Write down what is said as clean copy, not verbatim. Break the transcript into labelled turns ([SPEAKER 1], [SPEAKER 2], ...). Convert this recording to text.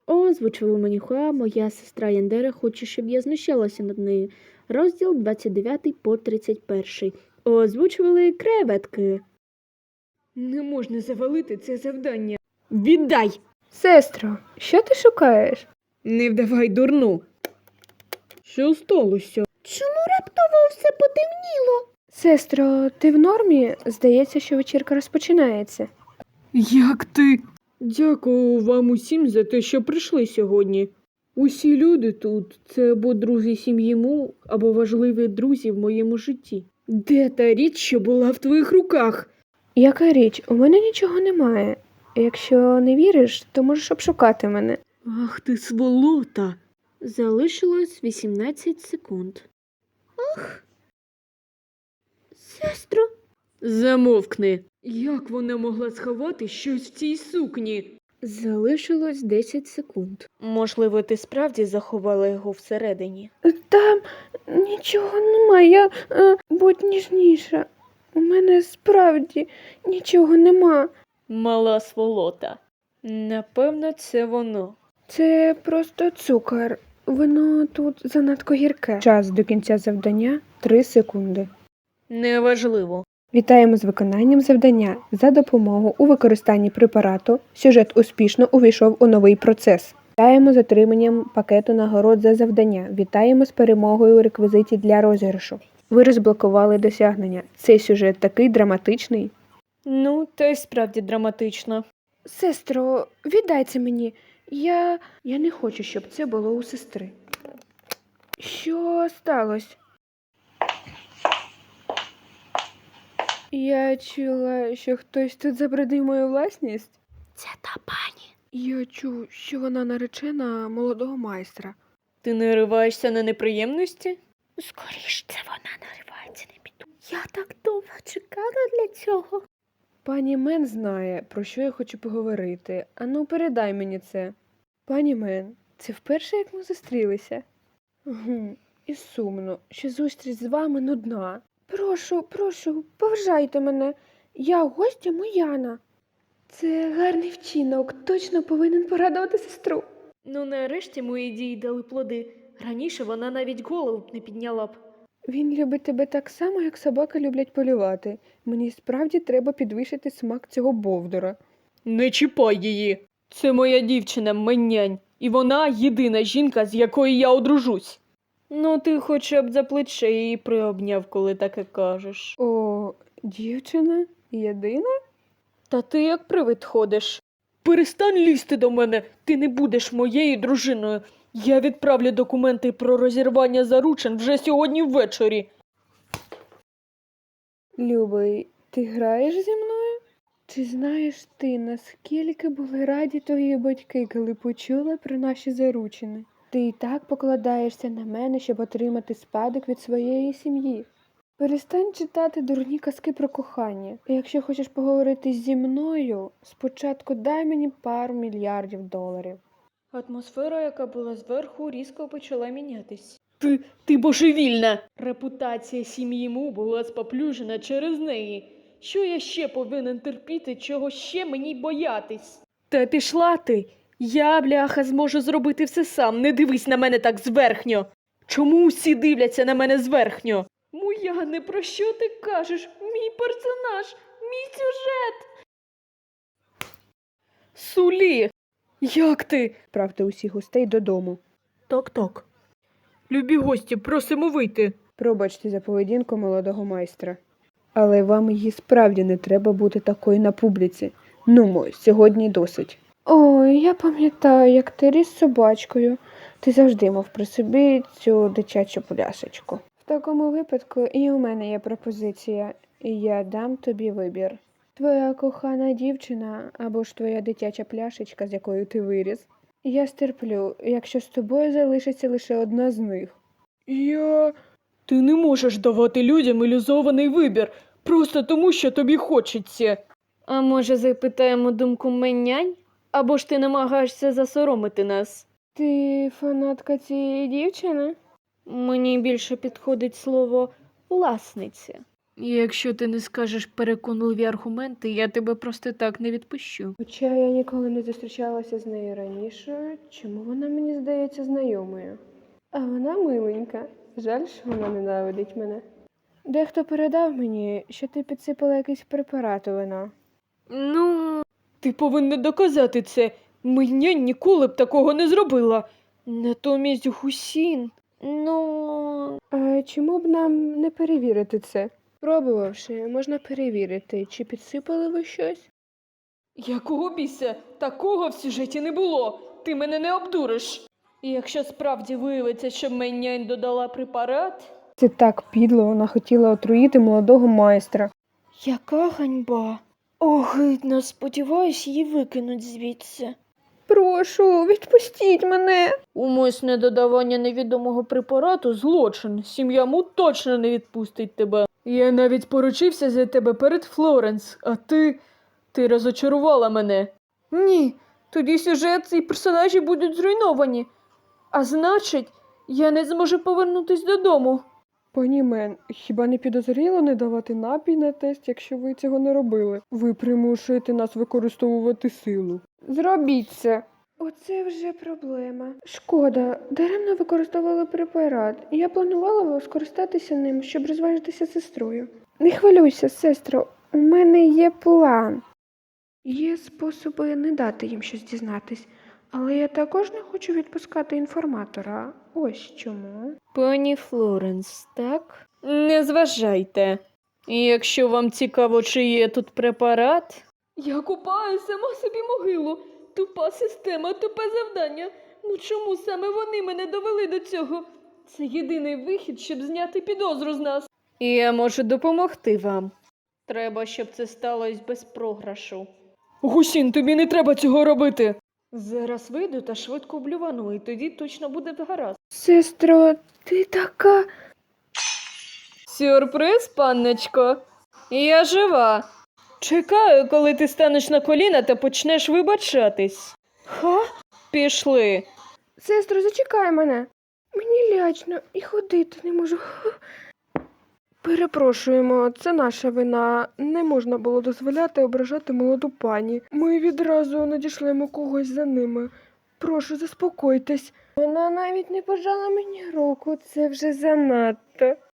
[SPEAKER 1] Озвучила Манюха, моя сестра Яндера хоче, щоб я знущалася над нею. Розділ 29 по 31. Озвучували креветки. Не можна завалити це завдання. Віддай!
[SPEAKER 2] Сестро, що ти шукаєш?
[SPEAKER 1] Не вдавай дурну. Що сталося? Чому раптово все потемніло?
[SPEAKER 2] Сестро, ти в нормі? Здається, що вечірка розпочинається.
[SPEAKER 1] Як ти? Дякую вам усім за те, що прийшли сьогодні. Усі люди тут – це або друзі сім'ї Му, або важливі друзі в моєму житті. Де та річ, що була в твоїх руках?
[SPEAKER 2] Яка річ? У мене нічого немає. Якщо не віриш, то можеш обшукати мене.
[SPEAKER 1] Ах ти сволота! Залишилось 18 секунд. Ах! Сестро! Замовкни! Як вона могла сховати щось в цій сукні? Залишилось 10 секунд. Можливо, ти справді заховала його всередині?
[SPEAKER 2] Там нічого немає. Будь ніжніша. У мене справді нічого нема.
[SPEAKER 1] Мала сволота. Напевно, це воно.
[SPEAKER 2] Це просто цукор. Воно тут занадто гірке. Час до кінця завдання 3 секунди.
[SPEAKER 1] Неважливо.
[SPEAKER 2] Вітаємо з виконанням завдання. За допомогу у використанні препарату сюжет успішно увійшов у новий процес. Вітаємо з отриманням пакету нагород за завдання. Вітаємо з перемогою у реквізиті для розіграшу. Ви розблокували досягнення. Цей сюжет такий драматичний.
[SPEAKER 1] Ну, та й справді драматично.
[SPEAKER 2] Сестро, віддай це мені. Я не хочу, щоб це було у сестри. Що сталося? Я чула, що хтось тут забруднив мою власність.
[SPEAKER 1] Це та пані.
[SPEAKER 2] Я чув, що вона наречена молодого майстра.
[SPEAKER 1] Ти нариваєшся на неприємності? Скоріш, це вона наривається на біду. Я так довго чекала для цього.
[SPEAKER 2] Пані Мен знає, про що я хочу поговорити. Ану, передай мені це. Пані Мен, це вперше, як ми зустрілися? І сумно, що зустріч з вами нудна. Прошу, поважайте мене. Я гостя Мояна. Це гарний вчинок, точно повинен порадувати сестру.
[SPEAKER 1] Ну, нарешті мої дії дали плоди. Раніше вона навіть голову б не підняла б.
[SPEAKER 2] Він любить тебе так само, як собаки люблять полювати. Мені справді треба підвищити смак цього бовдура.
[SPEAKER 1] Не чіпай її. Це моя дівчина Меннянь. І вона єдина жінка, з якою я одружусь. Ну, ти хоча б за плече її приобняв, коли таке кажеш.
[SPEAKER 2] О, дівчина? Єдина?
[SPEAKER 1] Та ти як привид ходиш. Перестань лізти до мене, ти не будеш моєю дружиною. Я відправлю документи про розірвання заручин вже сьогодні ввечері.
[SPEAKER 2] Любий, ти граєш зі мною? Чи знаєш ти, наскільки були раді твої батьки, коли почули про наші заручини? Ти і так покладаєшся на мене, щоб отримати спадок від своєї сім'ї. Перестань читати дурні казки про кохання. І якщо хочеш поговорити зі мною, спочатку дай мені пару мільярдів доларів.
[SPEAKER 1] Атмосфера, яка була зверху, різко почала мінятись. Ти божевільна! Репутація сім'ї Му була споплюжена через неї. Що я ще повинен терпіти, чого ще мені боятись? Та пішла ти! Я, бляха, зможу зробити все сам, не дивись на мене так зверхньо! Чому усі дивляться на мене зверхньо? Мояне, про що ти кажеш? Мій персонаж, мій сюжет! Сулі! Як ти?
[SPEAKER 2] Правте усіх гостей додому.
[SPEAKER 1] Ток-ток. Любі гості, просимо вийти.
[SPEAKER 2] Пробачте за поведінку молодого майстра. Але вам її справді не треба бути такою на публіці. Нумо, сьогодні досить. Ой, я пам'ятаю, як ти ріс з собачкою. Ти завжди мав при собі цю дитячу пляшечку. В такому випадку і у мене є пропозиція. І я дам тобі вибір. Твоя кохана дівчина або ж твоя дитяча пляшечка, з якою ти виріс. Я стерплю, якщо з тобою залишиться лише одна з них.
[SPEAKER 1] Ти не можеш давати людям ілюзований вибір, просто тому, що тобі хочеться. А може запитаємо думку Меннянь? Або ж ти намагаєшся засоромити нас?
[SPEAKER 2] Ти фанатка цієї дівчини?
[SPEAKER 1] Мені більше підходить слово «власниця». Якщо ти не скажеш переконливі аргументи, я тебе просто так не відпущу.
[SPEAKER 2] Хоча я ніколи не зустрічалася з нею раніше, чому вона мені здається знайомою? А вона миленька. Жаль, що вона ненавидить мене. Дехто передав мені, що ти підсипала якийсь препарат у вино.
[SPEAKER 1] Ну, ти повинна доказати це. Мені ніколи б такого не зробила. Натомість Гусін. Ну,
[SPEAKER 2] А чому б нам не перевірити це? Пробувавши, можна перевірити, чи підсипали ви щось?
[SPEAKER 1] якого біса? Такого в сюжеті не було. Ти мене не обдуриш. І якщо справді виявиться, що мені додала препарат.
[SPEAKER 2] Це так підло, вона хотіла отруїти молодого майстра.
[SPEAKER 1] Яка ганьба. Огидно, сподіваюсь, її викинуть звідси.
[SPEAKER 2] Прошу, відпустіть мене.
[SPEAKER 1] Умисне додавання невідомого препарату – злочин. Сім'я Му точно не відпустить тебе. Я навіть поручився за тебе перед Флоренс, а ти розочарувала мене. Ні, тоді сюжет і персонажі будуть зруйновані. А значить, я не зможу повернутись додому.
[SPEAKER 2] Пані Мен, хіба не підозріло не давати напій на тест, якщо ви цього не робили? Ви примушуєте нас використовувати силу. Зробіть це. Оце вже проблема. Шкода, даремно використовували препарат. Я планувала скористатися ним, щоб розважитися з сестрою. Не хвилюйся, сестро, у мене є план. Є способи не дати їм щось дізнатись, але я також не хочу відпускати інформатора. Ось чому.
[SPEAKER 1] Пані Флоренс, так? Не зважайте. І якщо вам цікаво, чи є тут препарат. Я купаю сама собі могилу. Тупа система, тупе завдання. Ну чому саме вони мене довели до цього? Це єдиний вихід, щоб зняти підозру з нас. І я можу допомогти вам. Треба, щоб це сталося без програшу. Гусін, тобі не треба цього робити. Зараз вийду та швидко блювану, і тоді точно буде гаразд.
[SPEAKER 2] Сестро, ти така.
[SPEAKER 1] Сюрприз, панночко. Я жива. Чекаю, коли ти станеш на коліна та почнеш вибачатись. Ха? Пішли.
[SPEAKER 2] Сестро, зачекай мене. Мені лячно і ходити не можу. Перепрошуємо, це наша вина. Не можна було дозволяти ображати молоду пані. Ми відразу надішлемо когось за ними. Прошу, заспокойтесь. Вона навіть не пожала мені руку, це вже занадто.